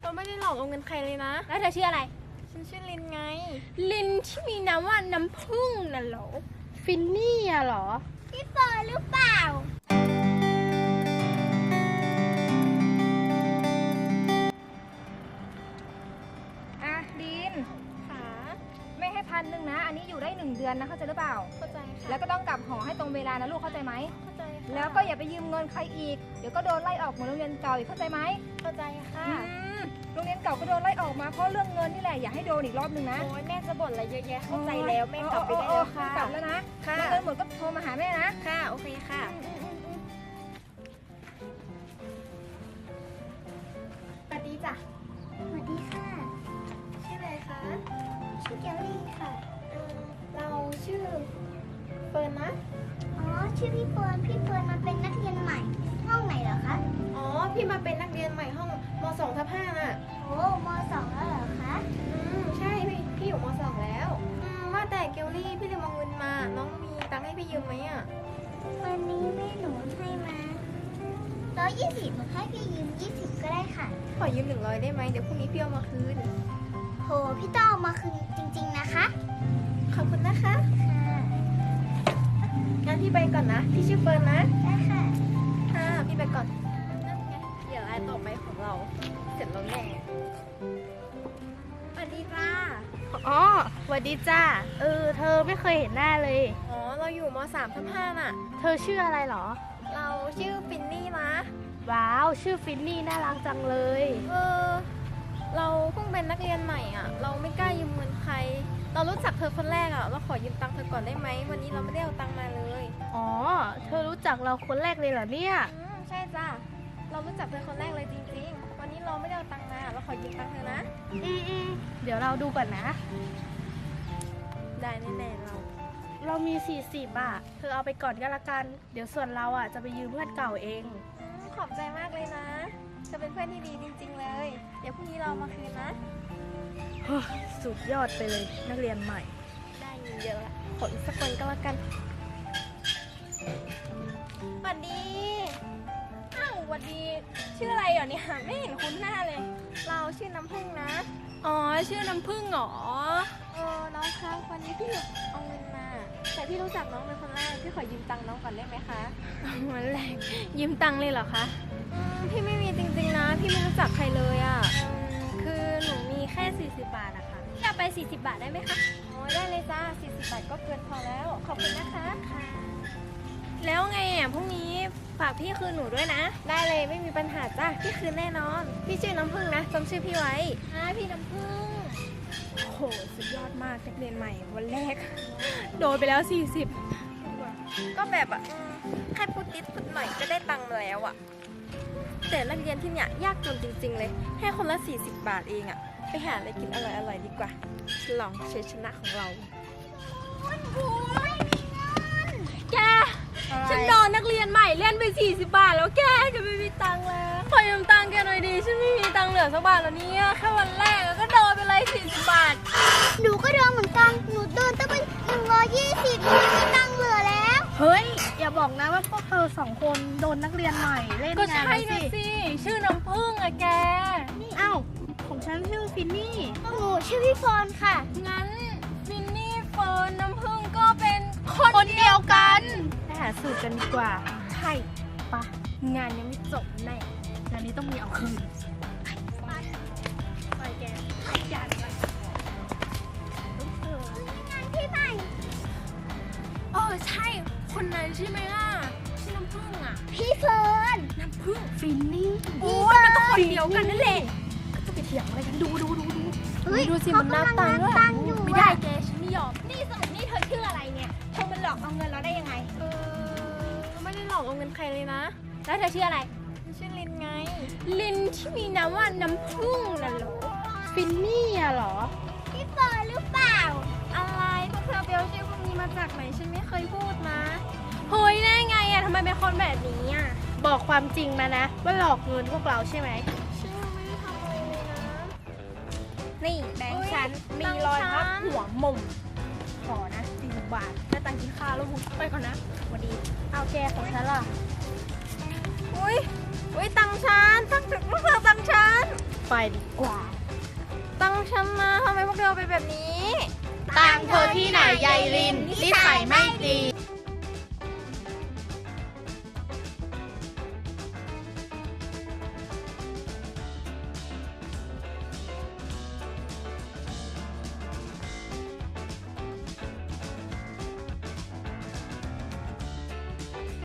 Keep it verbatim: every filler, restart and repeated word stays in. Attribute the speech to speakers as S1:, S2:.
S1: เราไม่ได้หลอกเอาเงินใครเลยนะ
S2: แล้วเธอชื่ออะไร
S1: ฉันชื่อลินไง
S2: ลินที่มีน้ำว่าน้ำผึ้งน่ะเหรอ
S3: ฟินนี่อะเหรอ
S2: พี่เฟิร์นหรือเปล่าอ่ะลิน
S1: ค่ะ
S2: ไม่ให้พันหนึ่งนะอันนี้อยู่ได้หนึ่งเดือนนะเข้าใจหรือเปล่า
S1: เข้าใจค่ะ
S2: แล้วก็ต้องกลับหอให้ตรงเวลานะลูกเข้าใจไหม
S1: เข้าใจค่ะ
S2: แล้วก็อย่าไปยืมเงินใครอีกเดี๋ยวก็โดนไล่ออกเหมือนโรงเรียนเก่าอีกเข้าใจไหม
S1: เข้าใจค่ะ
S2: โรงเรียนเก่าก็โดนไล่ออกมาเพราะเรื่องเงินนี่แหละอย่าให้โดนอีกรอบนึงนะ
S1: โอ้ยแม่จะบ่นอะไรเยอะแยะเข้าใจแล้วแม่กลับไปได้แล้วค่ะ
S2: กลับแล้วนะ
S1: ค่ะ
S2: เงินหมดก็โทรมาหาแม่นะ
S1: ค่ะโอเคค่ะสวัสดีจ้ะ
S4: สวัสดีค่ะ
S1: ชื่ออะไรคะ
S4: ชื่อเกลลี่ค่ะ
S1: เออเราชื่อเฟิร์นนะ
S4: อ๋อ ชื่อพี่เฟิร์น พี่เฟิร์นมาเป็นนักเรียนใหม่ ห้องไหนเหรอคะ
S1: อ๋อพี่มาเป็นนักเรียนใหม่ห้องมสองทับห้าน่ะ
S4: โอ้มสองแล้วเหรอคะ
S1: อืมใช่พี่พี่อยู่มสองแล้วอืมว่าแต่เกลลี่พี่ลืมเอาเงินมาน้องมีตังค์ให้พี่ยืมไหมอ่ะ
S4: วันนี้แม่หนูให้มาร้อยยี่สิบหนูให้พี่ยืมยี่สิบก็ได้ค่ะ
S1: ขอยืมหนึ่งร้อยได้ไหมเดี๋ยวพรุ่งนี้พี่เอามาคืน
S4: โห พี่ต้องเอามาคืนจริงๆนะคะ
S1: ขอบคุณนะคะ
S4: ค่ะ
S1: งั้นพี่ไปก่อนนะพี่ชื่อเฟิร์นนะ
S4: ได้ค่ะ
S1: ค่ะพี่ไปก่อนนั่นไงเดี๋ยวรายต่อไปของเราเสร็จแล้วแน่สวัสดีจ้า
S3: อ๋อสวัสดีจ้าเออเธอไม่เคยเห็นหน้าเลย
S1: อ๋อเราอยู่มสามทับห้าน่ะ
S3: เธอชื่ออะไรเหรอ
S1: เราชื่อฟินนี่นะ
S3: ว้าวชื่อฟินนี่น่ารักจังเลย
S1: เออเราเพิ่งเป็นนักเรียนใหม่อ่ะเราไม่กล้ายืมเงินใครเรารู้จักเธอคนแรกอ่ะเราขอยืมตังค์เธอก่อนได้ไหมวันนี้เราไม่ได้เอาตังค์มาเลย
S3: อ๋อเธอรู้จักเราคนแรกเลยเหรอเนี่ย
S1: อืมใช่จ้าเรารู้จักเธอคนแรกเลยจริงๆวันนี้เราไม่ได้เอาตังค์มาเราขอยืมตังค์เธอนะ
S3: อืมอืมเดี๋ยวเราดูก่อนนะ
S1: ได้แน่ๆเรา
S3: เรามีสี่สิบอ่ะเธอเอาไปก่อนก็แล้วกันเดี๋ยวส่วนเราอ่ะจะไปยืมเพื่อนเก่าเอง
S1: อืมขอบใจมากเลยนะเธอเป็นเพื่อนที่ดีจริงๆเลยเดี๋ยวพรุ่งนี้เรามาคืนนะ
S3: สุดยอดไปเลยนักเรียนใหม่
S1: ได้เงินเยอะละขออีกสักคนก็แล้วกันสวัสดี
S2: อ้าวสวัสดีชื่ออะไรเหรอเนี่ยไม่เห็นคุ้นหน้าเลย
S1: เราชื่อน้ำผึ้งนะ
S2: อ๋อชื่อน้ำผึ้งเหรอ
S1: เออน้องคะวันนี้พี่เอาเงินมาแต่พี่รู้จักน้องเป็นคนแรกพี่ขอยืมตังค์น้องก่อนได้ไหมคะ
S2: วันแรกยืมตังค์เลยเหรอคะ
S1: อืมพี่ไม่มีจริงๆนะพี่ไม่รู้จักใครเลยอ่ะ
S2: คือหนูมีแค่สี่สิบบาทอะค่ะพี่เอาไปสี่สิบบาทได้ไหมคะ
S1: อ๋อได้เลยจ้าสี่สิบบาทก็เกินพอแล้วขอบคุณนะคะ
S2: ค่ะแล้วไงอ่ะพรุ่งนี้ฝากพี่คืนหนูด้วยนะ
S1: ได้เลยไม่มีปัญหาจ้าพี่คืนแน่นอนพี่ชื่อน้ำผึ้งนะจำชื่อพี่ไว้
S2: อ่าพี่น้ำผึ้งโอ้โหสุดยอดมากนักเรียนใหม่วันแรกโดนไปแล้วสี่สิบ
S1: ก็แบบอ่ะแค่พูดนิดพูดหน่อยก็ได้ตังค์มาแล้วอ่ะแต่นักเรียนที่เนี่ยยากจนจริงๆเลยแค่คนละสี่สิบบาทเองอ่ะไปหาอะไรกินอร่อยๆดีกว่าฉลองชัยชนะของเรา
S2: แกฉันโดนนักเรียนใหม่เล่นไปสี่สิบบาทแล้วแกจะไม่มีตังค์แล้วขอยืมตังค์แกหน่อยดีฉันไม่มีตังค์เหลือสักบาทแล้วเนี่ยแค่วันแรกก็โดนไปเลยสี่สิบบาท
S4: หนูก็โดนเหมือนกัน หนูโดนตั้งเป็นหนึ่งร้อยยี่สิบหนูไม่มีตังค์เหลือแล้ว
S3: เฮ้ยอย่าบอกนะว่าพวกเธอสองคนโดนนักเรียนใหม่เล่นงาน
S2: ก็ใช่นะสิชื่อน้ำผึ้งอะแก
S3: เอ้าของฉันชื่อฟินนี่
S4: หนูชื่อพี่เฟิร์นค่ะ
S2: งั้นฟินนี่เฟิร์นน้ำผึ้งก็เป็น
S3: คนเดียวกันไปหาสูตรกันดีกว่า
S2: ใช่ปะงานยังไม่จบแน่
S3: งานนี้ต้องมีเอาคืน
S2: ไปแกขยันเลย
S4: งานที่ไหน
S2: เออใช่คนนั้นใช่ไหมล่ะชื่อน้ำผึ้งอ่ะ
S4: พี่เฟิร์น
S2: น้ำผึ้ง
S3: ฟินนี่
S2: โอ้ยมันก็คนเดียวกันนั่นแหละ
S3: ก็จะไปเถียงอะไรกันดูดูดูดู
S2: ดูสิมันนับตังค์ด้วยไม่ได้แกฉันไม่ยอม
S4: นี่สรุปนี่เธอชื่ออะไรเนี่ยเธอมันหลอกเอาเงินเราได้ยังไง
S1: เออไม่ได้หลอกเอาเงินใครเลยนะ
S2: แล้วเธอชื่ออะไร
S1: ชื่อลินไง
S2: ลินที่มีน้ำว่าน้ำผึ้งน่ะเหรอ
S3: ฟินนี่อะเหรอ
S4: พี่เฟิร์นหรือเปล่า
S1: อะไรพวกเธอเบลชื่อพวกนี้มาจากไหนฉันไม่เคยพูดนะ
S2: เฮ้ยได้ไงอะทำไมเป็นคนแบบนี้อะ
S3: บอกความจริงมานะว่าหลอกเงินพวกเราใช่ไหม
S1: ฉันไม่ได้ทำอะไรเลยนะ
S2: นี่แบงค์ฉันมีรอยพับหัวมุมขอนะสี่สิบบาทได้ตังค์กินข้าวแล้วไปก่อนนะสวัสดี
S3: เอาแกของฉันล่ะ
S1: อุ้ยอุ้ยตังค์ฉันตังค์ถึงลูกเธอตังค์ฉัน
S3: ไปดีกว่า
S1: ตังค์ฉันนะทำไมพวกเธอเอาไปแบบนี้
S3: ตังเธอที่ไหนยายลินนิสัยไม่